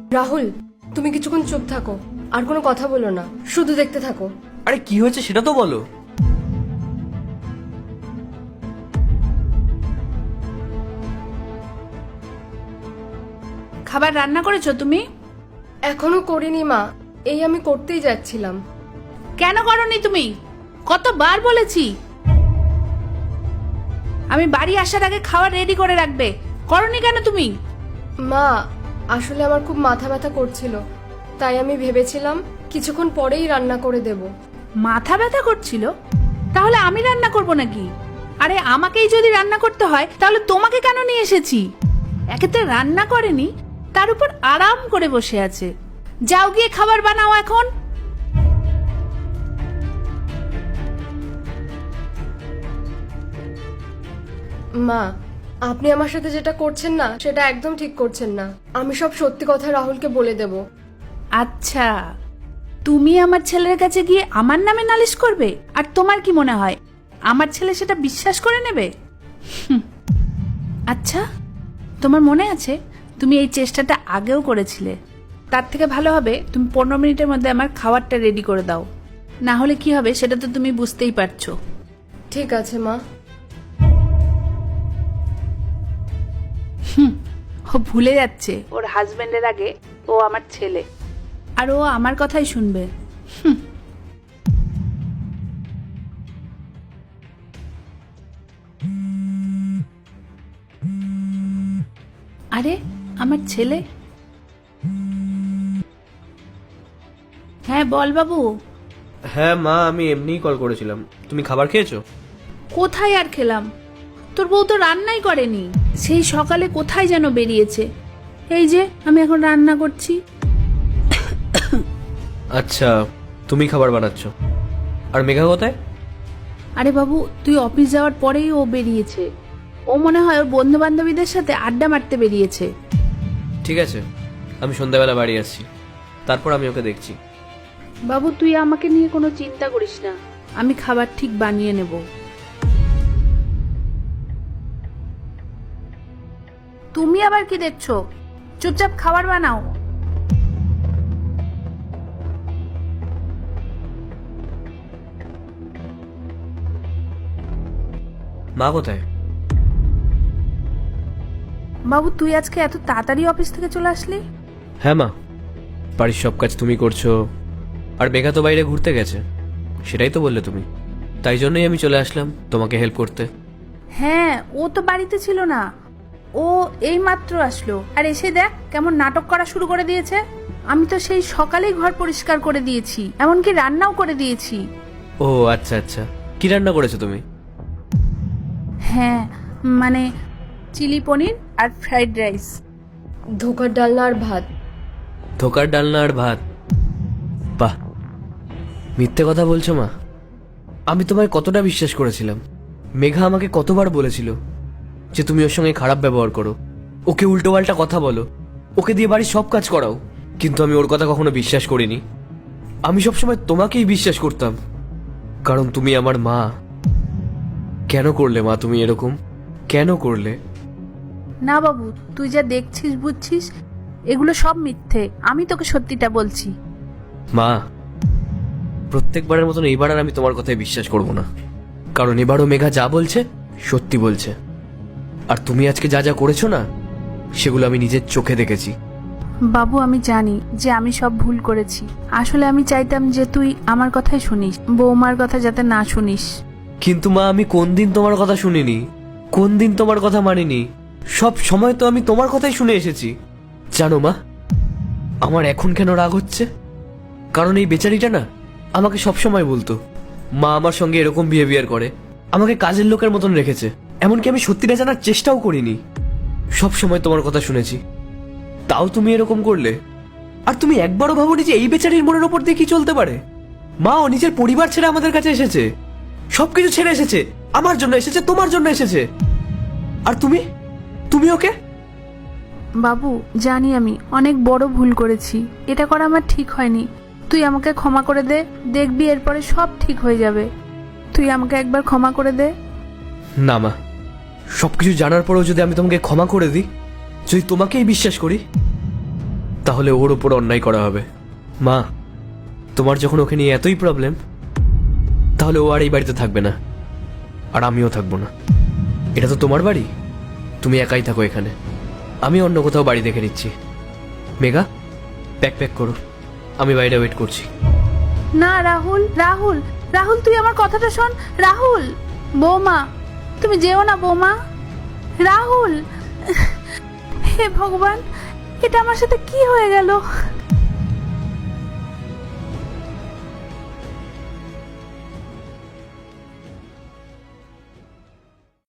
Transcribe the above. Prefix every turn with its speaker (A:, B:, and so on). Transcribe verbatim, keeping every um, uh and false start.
A: রাহুল, তুমি কিছুক্ষণ চুপ থাকো, আর কোনো কথা বলো না, শুধু দেখতে থাকো।
B: আরে কি হয়েছে সেটা তো বলো।
C: খাবার রান্না করেছো তুমি?
A: এখনো করিনি মা, এই আমি করতেই যাচ্ছিলাম।
C: কেন করনি তুমি? কতবার বলেছি আমি বাড়ি আসার আগে খাবার রেডি করে রাখবে, করনি কেন তুমি?
A: মা, আসলে আমার খুব মাথা ব্যথা করছিল, তাই আমি ভেবেছিলাম কিছুক্ষণ পরেই রান্না করে দেব।
C: মাথা ব্যথা করছিল? তাহলে আমি রান্না করব নাকি? আরে আমাকেই যদি রান্না করতে হয় তাহলে তোমাকে কেন নিয়ে এসেছি? একেতে রান্না করেনি, তার উপর আরাম করে বসে আছে। যাও গিয়ে খাবার বানাও এখন।
A: মা, আপনি আমার সাথে যেটা করছেন না সেটা একদম ঠিক করছেন না। আমি সব সত্যি কথা রাহুলকে বলে দেব।
C: আচ্ছা, তুমি আমার ছেলের কাছে গিয়ে আমার নামে নালিশ করবে? আর তোমার কি মনে হয় আমার ছেলে সেটা বিশ্বাস করে নেবে? হুম। আচ্ছা, তোমার মনে আছে তুমি এই চেষ্টাটা আগেও করেছিলে? তার থেকে ভালো হবে তুমি পনেরো মিনিটের মধ্যে আমার খাবারটা রেডি করে দাও, না হলে কি হবে সেটা তো তুমি বুঝতেই পারছো।
A: ঠিক আছে মা।
C: হুম, ও ভুলে যাচ্ছে ওর হাজবেন্ডের আগে ও আমার ছেলে, আর ও আমার কথাই শুনবে। হুম। আরে আমার ছেলে। হ্যাঁ বল বাবু।
B: হ্যাঁ মা, আমি এমনিই কল করেছিলাম। তুমি খাবার খেয়েছো?
C: কোথায় আর খেলাম, তোর বউ তো রান্নাই করেনি, সেই সকালে কোথায় যেন বেরিয়েছে। এই যে আমি এখন রান্না করছি।
B: আচ্ছা, তুমি খাবার বানাচ্ছ, আর মেঘা কোথায়?
C: আরে বাবু, তুই অফিস যাওয়ার পরেই ও বেরিয়েছে। ও মনে হয় ওর বন্ধু বান্ধবীদের সাথে আড্ডা মারতে বেরিয়েছে।
B: ঠিক আছে, আমি সন্ধ্যাবেলা বাড়ি আসছি, তারপর আমি ওকে দেখছি।
C: বাবু তুই আমাকে নিয়ে কোনো চিন্তা করিস না, আমি খাবার ঠিক বানিয়ে নেব। তুমি আবার কি দেখছো? চুপচাপ খাবার বানাও।
B: মা কোথায়?
C: বাবু তুই আজকে এত তাড়াতাড়ি অফিস থেকে চলে আসলি?
B: হ্যাঁ মা, বাড়ির সব কাজ তুমি করছো, আর মেঘা তো বাইরে ঘুরতে গেছে, সেটাই তো বললে তুমি। তাই জন্যই আমি চলে আসলাম তোমাকে হেল্প করতে।
C: হ্যাঁ, ও তো বাড়িতে ছিল না, ও এই মাত্র আসলো, আর এসে দেখ কেমন নাটক করা শুরু করে দিয়েছে। আমি তো সেই সকালেই ঘর পরিষ্কার করে দিয়েছি, এমনকি রান্নাও করে দিয়েছি।
B: ও আচ্ছা আচ্ছা, কি রান্না করেছো তুমি?
C: হ্যাঁ মানে চিলি পনির আর ফ্রাইড রাইস।
A: ধোকার ডালনা আর ভাত।
B: ধোকার ডালনা আর ভাত? বাহ, মিথ্যে কথা বলছো মা। আমি তোমায় কতটা বিশ্বাস করেছিলাম। মেঘা আমাকে কতবার বলেছিল যে তুমি ওর সঙ্গে খারাপ ব্যবহার করো, ওকে উল্টোপাল্টা কথা বলো, ওকে দিয়ে বাড়ির সব কাজ করাও, কিন্তু আমি ওর কথা কখনো বিশ্বাস করিনি। আমি সবসময় তোমাকেই বিশ্বাস করতাম, কারণ তুমি আমার মা। কেন করলে মা তুমি এরকম? কেন করলে?
C: না বাবু, তুই যা দেখছিস বুঝছিস এগুলো সব মিথ্যে, আমি তোকে সত্যিটা বলছি।
B: মা, প্রত্যেকবারের মতন এইবার আর আমি তোমার কথায় বিশ্বাস করব না, কারণ এবারও মেঘা যা বলছে সত্যি বলছে। আর তুমি আজকে যা যা করেছো না, সেগুলো আমি নিজের চোখে দেখেছি।
C: বাবু আমি জানি যে আমি সব ভুল করেছি, আসলে আমি চাইতাম যে তুই আমার কথাই শুনিস, বৌমার কথা যাতে না শুনিস।
B: কিন্তু মা, আমি কোন দিন তোমার কথা শুনিনি, কোন দিন তোমার কথা মানিনি? সব সময় তো আমি তোমার কথাই শুনে এসেছি। জানো মা, আমার এখন কেন রাগ হচ্ছে? কারণ এই বেচারিটা না আমাকে সব সময় বলতো মা আমার সঙ্গে এরকম বিহেভিয়ার করে, আমাকে কাজের লোকের মতন রেখেছে। এমনকি আমি সত্যিটা জানার চেষ্টাও করিনি, সব সময় তোমার কথা শুনেছি, তাও তুমি এরকম করলে। আর তুমি একবারও ভাবোনি যে এই বেচারির মনের ওপর দিয়ে কি চলতে পারে? মা, ও নিজের পরিবার ছেড়ে আমাদের কাছে এসেছে, সবকিছু ছেড়ে এসেছে, আমার জন্য এসেছে, তোমার জন্য এসেছে। আর তুমি তুমি ওকে।
C: বাবু জানি আমি অনেক বড় ভুল করেছি, এটা করা আমার ঠিক হয়নি। তুই আমাকে ক্ষমা করে দে, দেখবি এরপরে সব ঠিক হয়ে যাবে। তুই আমাকে একবার ক্ষমা করে দে।
B: না মা, সবকিছু জানার পরেও যদি আমি তোমাকে ক্ষমা করে দিই, যদি তোমাকেই বিশ্বাস করি, তাহলে ওর ওপর অন্যায় করা হবে। মা, তোমার যখন ওকে নিয়ে এতই প্রবলেম, তাহলে ও আর এই বাড়িতে থাকবে না, আর আমিও থাকবো না। এটা তো তোমার বাড়ি, তুমি একাই থাকো এখানে, আমি অন্য কোথাও বাড়ি দেখে নিচ্ছি। মেঘা, প্যাক প্যাক করো, আমি বাইরে ওয়েট করছি।
C: না রাহুল, রাহুল, রাহুল তুই আমার কথাটা শোন। রাহুল, বৌমা তুমি যেও না বৌমা। রাহুল, হে ভগবান, এটা আমার সাথে কি হয়ে গেল?